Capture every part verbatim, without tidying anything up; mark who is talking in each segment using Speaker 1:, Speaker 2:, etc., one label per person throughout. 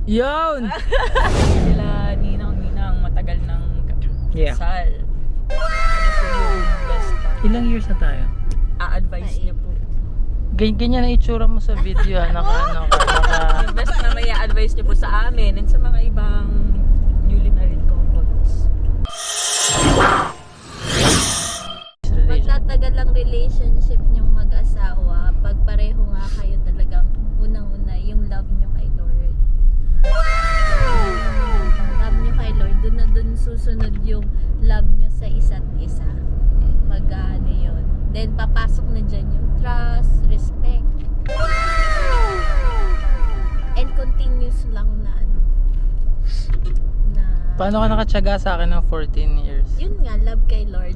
Speaker 1: Yun!
Speaker 2: Sila ninang-ninang matagal ng
Speaker 1: Yeah.
Speaker 2: kasal. Ano po yung best uh,
Speaker 1: Ilang years na tayo?
Speaker 2: a-advise niyo po?
Speaker 1: Ganyan, ganyan ang itsura mo sa video ha. Naka, ano ka, naka...
Speaker 2: Yung best na may a-advise niyo po sa amin and sa mga ibang newly married couples.
Speaker 3: Magtatagal ang relationship niyong mag-asawa pag pareho nga kayo talagang unang-una yung love niyo kay Lord. Love niyo kay Lord, dun na dun susunod yung love niyo sa isa't isa. Mag-ano yun. Then papasok na dyan yung trust, respect. And continuous lang na ano. Na,
Speaker 1: Paano ka nakatsaga sa akin ng fourteen years?
Speaker 3: yun nga, love kay Lord.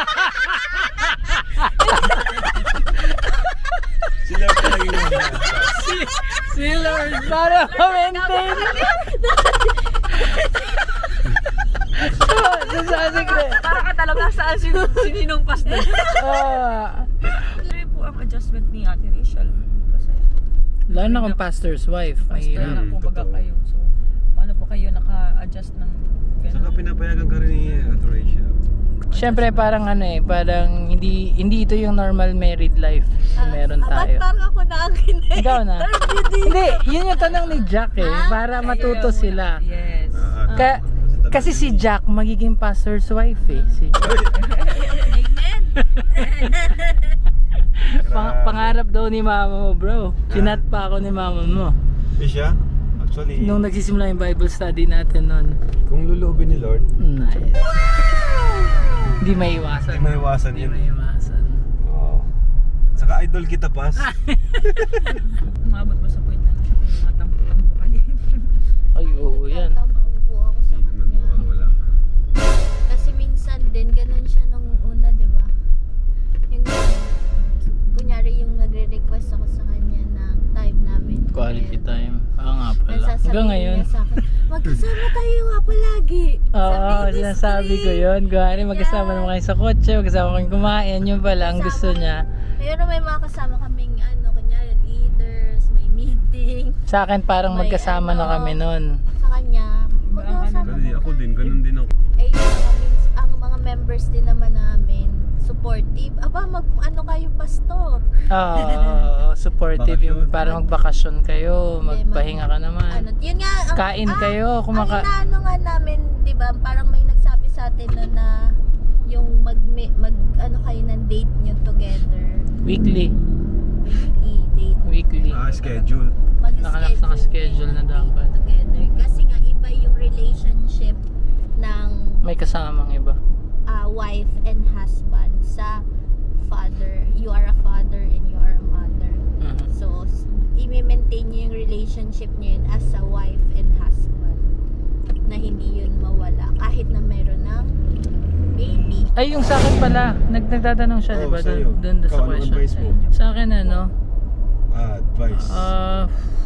Speaker 4: Sila pa lang yun.
Speaker 1: si, si Lord, para ma-maintain. Nasabi ko eh.
Speaker 2: Para ka talaga saan sin sininong pas na.
Speaker 1: Ah,
Speaker 2: Ano po ang adjustment ni Ate Rachel? Kasi
Speaker 1: lalo na kung pastor's wife.
Speaker 2: pastor
Speaker 1: Mahirap.
Speaker 2: na po baga
Speaker 4: totoo.
Speaker 2: kayo. So, paano po kayo naka-adjust ng
Speaker 4: Saka
Speaker 2: ganun?
Speaker 4: pinapayagan ka rin ni Ate Rachel.
Speaker 1: Siyempre parang ano eh, parang hindi hindi ito yung normal married life na meron
Speaker 3: Ah,
Speaker 1: tayo.
Speaker 3: ba't parang ako nakikinig?
Speaker 1: Ikaw na. Hindi, yun yung tanong ni Jack eh, para matuto sila.
Speaker 2: Yes.
Speaker 4: Ah,
Speaker 1: Ka kasi si Jack magiging pastor's wife eh. Si
Speaker 3: Amen.
Speaker 1: Pang- pangarap daw ni mama mo, bro. Chinat pa ako ni mama mo.
Speaker 4: Eh siya, actually,
Speaker 1: Nung nagsisimula yung Bible study natin noon.
Speaker 4: kung luluubin ni Lord,
Speaker 1: Nice. Hindi maiwasan.
Speaker 4: hindi maiwasan
Speaker 1: Hindi
Speaker 4: yun.
Speaker 1: maiwasan.
Speaker 4: Oo. Saka idol kita, Pas.
Speaker 2: Umabot ba sa point na siya kung mga tampo-tampo ka din?
Speaker 1: Ay, oo yan.
Speaker 3: Nagtatampo po ako sa
Speaker 4: Hindi naman
Speaker 3: kanya.
Speaker 4: mawawala.
Speaker 3: Kasi minsan din, ganun siya nung una, di ba? Yung kunyari yung nagre-request ako sa kanya ng time namin.
Speaker 1: Quality
Speaker 3: together.
Speaker 1: time. Oo nga pala.
Speaker 3: Nasasabihin
Speaker 1: Hanggang ngayon.
Speaker 3: niya sa akin, magkasama tayo nga palagi.
Speaker 1: Oo,
Speaker 3: sa
Speaker 1: sinasabi ko yun. Gawari, magkasama
Speaker 3: Yeah.
Speaker 1: naman kayo sa kotse, magkasama kayong kumain. Yun pala ang gusto niya.
Speaker 3: Pero may mga kasama kaming ano, kunyari leaders, may meeting.
Speaker 1: Sa akin parang
Speaker 3: May
Speaker 1: magkasama na
Speaker 3: ano.
Speaker 1: kami nun.
Speaker 3: Sa kanya, magkasama
Speaker 4: Kasi ako din, ganun din ako.
Speaker 3: Eh, yung mga, mins- ang mga members din naman namin, supportive. Aba, mag, ano kayo, pastor?
Speaker 1: Oo, supportive yung
Speaker 4: Bakasyon.
Speaker 1: para magbakasyon kayo, magpahinga ka
Speaker 3: Ano,
Speaker 1: naman.
Speaker 3: yun nga, ang,
Speaker 1: Kain
Speaker 3: ah,
Speaker 1: kayo, kumaka...
Speaker 3: Ang inaano nga namin, di ba, parang may nagsabi sa atin no, na yung mag, mag, ano kayo ng date nyo together.
Speaker 1: Weekly.
Speaker 3: Weekly date.
Speaker 1: Weekly.
Speaker 4: Ah, schedule.
Speaker 3: Mag-schedule.
Speaker 1: naka-schedule na
Speaker 3: kayo ng
Speaker 1: dapat.
Speaker 3: date together. Kasi nga, iba yung relationship ng
Speaker 1: May kasamang iba.
Speaker 3: uh, wife and husband sa father. You are a father and you are a mother.
Speaker 1: Mhm.
Speaker 3: So, s- i-maintain nyo yung relationship nyo yun as a wife and husband na hindi yun mawala kahit na meron ng baby.
Speaker 1: Ay, yung sa akin pala, nag nagtatanong siya,
Speaker 4: Oo,
Speaker 1: di ba?
Speaker 4: sa'yo.
Speaker 1: Doon doon sa
Speaker 4: Ikaw, anong
Speaker 1: question.
Speaker 4: advice mo?
Speaker 1: Sa akin, ano,
Speaker 4: Ah, advice.
Speaker 1: ah,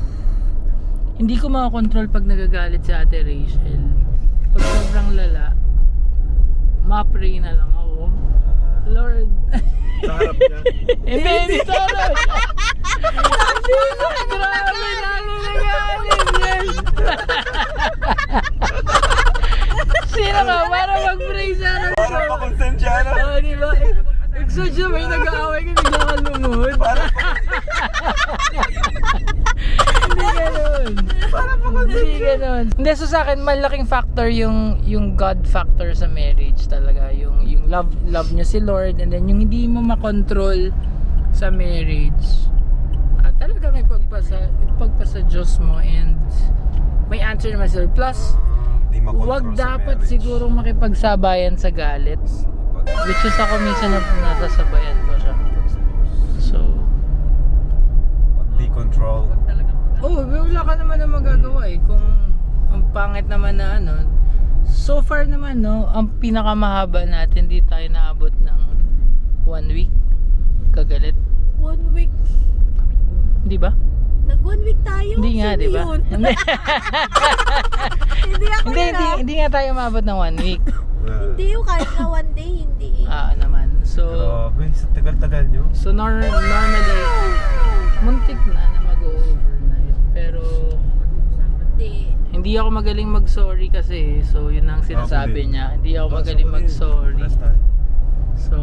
Speaker 1: hindi ko makakontrol pag nagagalit si Ate Rachel. Pag sobrang lala, ma-pray na lang ako. Lord.
Speaker 4: Sa harap niya.
Speaker 1: Hindi, hindi sana. Grabe, lalo nagalit yan. Sino ka? Para mag-pray sana.
Speaker 4: Para pa konsensyano.
Speaker 1: Oo, di ba? Exodus, may nag-aaway ka, bigla ka lumuhod. Hindi ganun. Hindi ganun. Hindi, so sa akin, malaking factor yung yung God factor sa marriage talaga. Yung yung love love nyo si Lord, and then yung hindi mo makontrol sa marriage. Ah, talaga may pagpasa, pagpasa Diyos mo, and may answer naman sila. Plus,
Speaker 4: Di makontrol
Speaker 1: wag
Speaker 4: sa
Speaker 1: dapat
Speaker 4: marriage.
Speaker 1: sigurong makipagsabayan sa galit.
Speaker 4: Pag-
Speaker 1: Which is ako minsan na nasasabayan ko siya. So,
Speaker 4: Pag di control.
Speaker 1: oh, wala ka naman na magagawa eh. Kung ang pangit naman na ano, so far naman no, ang pinakamahaba natin, di tayo naabot ng one week. Kagalit.
Speaker 3: One week.
Speaker 1: Di ba?
Speaker 3: Nag one week tayo.
Speaker 1: Hindi nga,
Speaker 3: Sino
Speaker 1: di ba?
Speaker 3: yun?
Speaker 1: Hindi,
Speaker 3: hindi ako
Speaker 1: hindi,
Speaker 3: yun,
Speaker 1: hindi,
Speaker 3: ah.
Speaker 1: hindi nga tayo maabot ng one week.
Speaker 4: Ah,
Speaker 3: Hindi yung kahit na one day, hindi.
Speaker 1: Ah, naman. So,
Speaker 4: Grabe, sa tagal-tagal nyo.
Speaker 1: so nor- normally, muntik na na mag-overnight. Pero,
Speaker 3: Hindi.
Speaker 1: hindi ako magaling mag-sorry kasi. So, yun ang sinasabi
Speaker 4: din.
Speaker 1: niya. Hindi ako
Speaker 4: Basta
Speaker 1: magaling
Speaker 4: ko rin.
Speaker 1: mag-sorry.
Speaker 4: Paras tayo.
Speaker 1: So,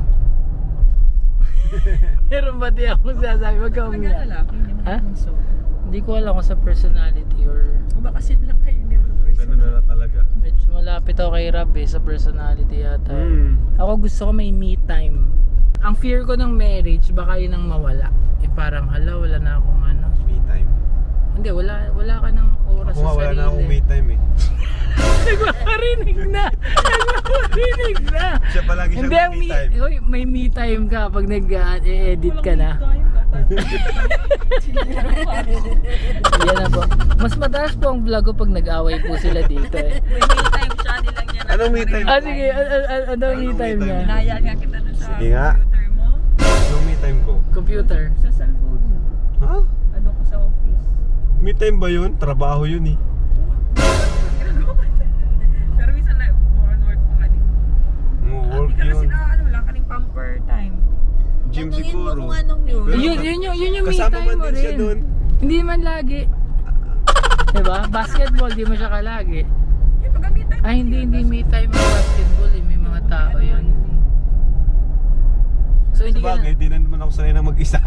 Speaker 1: meron ba di ako sinasabi? Wag kang
Speaker 2: Talaga
Speaker 1: umiyak.
Speaker 2: lalaki, hindi mo
Speaker 1: Ha?
Speaker 2: bunso.
Speaker 1: Hindi ko alam kung sa personality or
Speaker 2: O baka siblang kayo ni mga person.
Speaker 4: Ganun na lang talaga.
Speaker 1: medyo malapit ako kay Rab eh, sa personality yata.
Speaker 4: Mm.
Speaker 1: Ako gusto ko may me time. Ang fear ko ng marriage, baka yun ang mawala. Eh parang hala, wala na akong ano.
Speaker 4: Me time.
Speaker 1: Hindi, wala wala ka ng oras
Speaker 4: Ako nga
Speaker 1: sa
Speaker 4: wala
Speaker 1: sarili.
Speaker 4: na akong me time eh.
Speaker 1: Nagmamarinig na! Nagmamarinig na!
Speaker 4: Siya palagi siyang
Speaker 1: Hindi, ang
Speaker 4: me
Speaker 1: me,
Speaker 4: time.
Speaker 1: Uy, may me time ka pag nag-edit ka na. Yan na po. Mas mataas po ang vlog ko pag nag-away po sila dito eh.
Speaker 2: May me time siya, nilang niya.
Speaker 4: Anong me time?
Speaker 1: Ah, sige. Ano an, an, ano ang me
Speaker 4: Anong me
Speaker 1: time
Speaker 4: time?
Speaker 1: niya?
Speaker 2: Naya nga kita dun sa
Speaker 4: Sige nga.
Speaker 2: computer mo.
Speaker 4: Anong me time ko?
Speaker 1: Computer.
Speaker 2: Sa cellphone mo.
Speaker 4: Ha?
Speaker 2: Ano ko sa office.
Speaker 4: Me time ba yun? Trabaho yun eh.
Speaker 2: Ginagawa ko din. Pero minsan na, more on work pa nga din.
Speaker 4: Oh, work
Speaker 2: Hindi ka kasi
Speaker 4: yun.
Speaker 2: na, ano, wala ka ning pamper time.
Speaker 4: Gym
Speaker 3: Tanungin mo
Speaker 4: siguro.
Speaker 3: kung anong me
Speaker 4: Pero-
Speaker 1: Yun, yun, yung, yun yung me
Speaker 4: Kasama
Speaker 1: time
Speaker 4: man
Speaker 1: mo
Speaker 4: din siya
Speaker 1: rin.
Speaker 4: dun.
Speaker 1: Hindi man lagi. Diba? Basketball, di mo siya kalagi.
Speaker 2: Yung pag me time.
Speaker 1: Ay, hindi, hindi me time ang basketball eh. May mga tao yun. So, hindi ka
Speaker 4: Sabagay,
Speaker 1: na,
Speaker 4: di na naman ako sanay na mag-isa.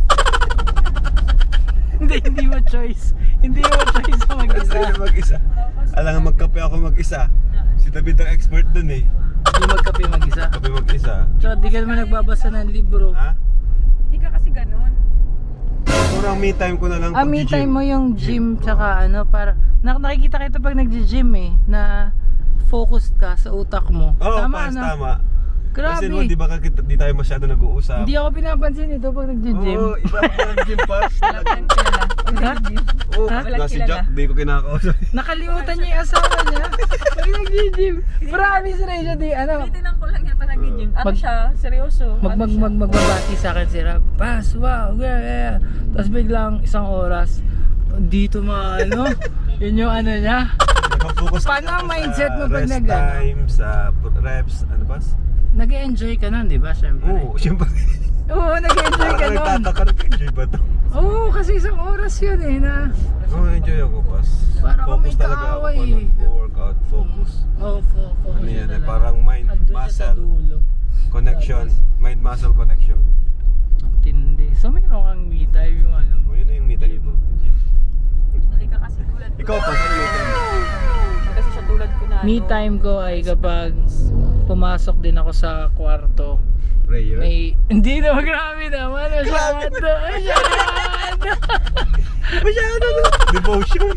Speaker 1: hindi, hindi mo choice. Hindi mo choice sa mag-isa.
Speaker 4: Sanay na mag-isa. Alam nga magkape ako mag-isa. Si David ang expert dun eh.
Speaker 1: Hindi magkape mag-isa.
Speaker 4: Kape mag-isa.
Speaker 1: So, di ka naman nagbabasa ng libro.
Speaker 4: Ha?
Speaker 2: Hindi ka kasi ganun.
Speaker 4: Siguro ang me time ko na lang
Speaker 1: Ah, me
Speaker 4: pag-gym.
Speaker 1: time mo yung gym tsaka ano, para nak nakikita kita pag nagji-gym eh, na focused ka sa utak mo.
Speaker 4: Oo,
Speaker 1: tama
Speaker 4: pas,
Speaker 1: ano?
Speaker 4: tama.
Speaker 1: Grabe.
Speaker 4: Kasi mo, di ba kakita, di tayo masyado nag-uusap?
Speaker 1: Hindi ako pinapansin ito pag nagji-gym.
Speaker 4: Oo, iba ako ng gym pass.
Speaker 2: Walang kilala.
Speaker 1: Ha?
Speaker 4: Oo,
Speaker 1: Ha?
Speaker 4: na si
Speaker 2: Walang
Speaker 4: Jack, di ko kinakausap.
Speaker 1: Nakalimutan niya yung asawa niya pag nagji-gym. Promise rin siya di ano.
Speaker 2: Tinitingnan ko lang yan pa nag-gym. Ano
Speaker 1: Mag-
Speaker 2: siya? Seryoso?
Speaker 1: Mag
Speaker 2: Ano
Speaker 1: mag
Speaker 2: siya?
Speaker 1: mag magbabati sa akin si Rab. Pass, wow, yeah, yeah. Tapos biglang isang oras dito mga ano, yun yung ano niya.
Speaker 4: Nag-focus
Speaker 1: Paano
Speaker 4: kasi
Speaker 1: ang
Speaker 4: ako
Speaker 1: mindset
Speaker 4: sa
Speaker 1: mo pag
Speaker 4: rest
Speaker 1: nag- ano?
Speaker 4: time, sa reps, ano ba?
Speaker 1: Nag-enjoy ka nun, di ba? Siyempre.
Speaker 4: Oo, siyempre.
Speaker 1: Oo, nag-enjoy ka
Speaker 4: Parang
Speaker 1: nun.
Speaker 4: nagtataka, nag-enjoy ba to?
Speaker 1: Oo, kasi isang oras yun eh na.
Speaker 4: Oo, enjoy ako, pas.
Speaker 1: Para kang
Speaker 4: Focus
Speaker 1: may
Speaker 4: talaga ako
Speaker 1: kaaway
Speaker 4: pag
Speaker 1: eh.
Speaker 4: nag-workout, focus.
Speaker 1: Oh, fo- focus
Speaker 4: Ano yan
Speaker 1: na
Speaker 4: eh,
Speaker 1: lang.
Speaker 4: parang mind,
Speaker 1: Andun siya sa
Speaker 4: muscle,
Speaker 1: dulo.
Speaker 4: connection, mind-muscle connection.
Speaker 1: Tindi. So mayroon kang me time yung ano mo.
Speaker 4: O, yun na yung me time mo. Gym.
Speaker 2: Hindi ka kasi tulad ko.
Speaker 4: Ikaw pa, ano me time mo?
Speaker 2: Kasi siya tulad ko na.
Speaker 1: Me
Speaker 2: ano,
Speaker 1: time ko ay kapag pumasok din ako sa kwarto.
Speaker 4: Prayer?
Speaker 1: May, hindi na grabe naman. Masyado. Masyado.
Speaker 4: Masyado na. Devotion.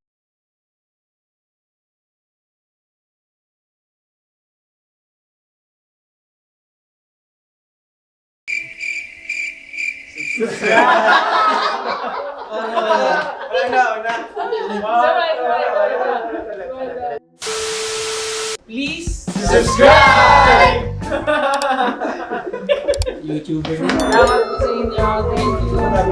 Speaker 1: Please subscribe! YouTuber din. Salamat po sa inyo. Thank you.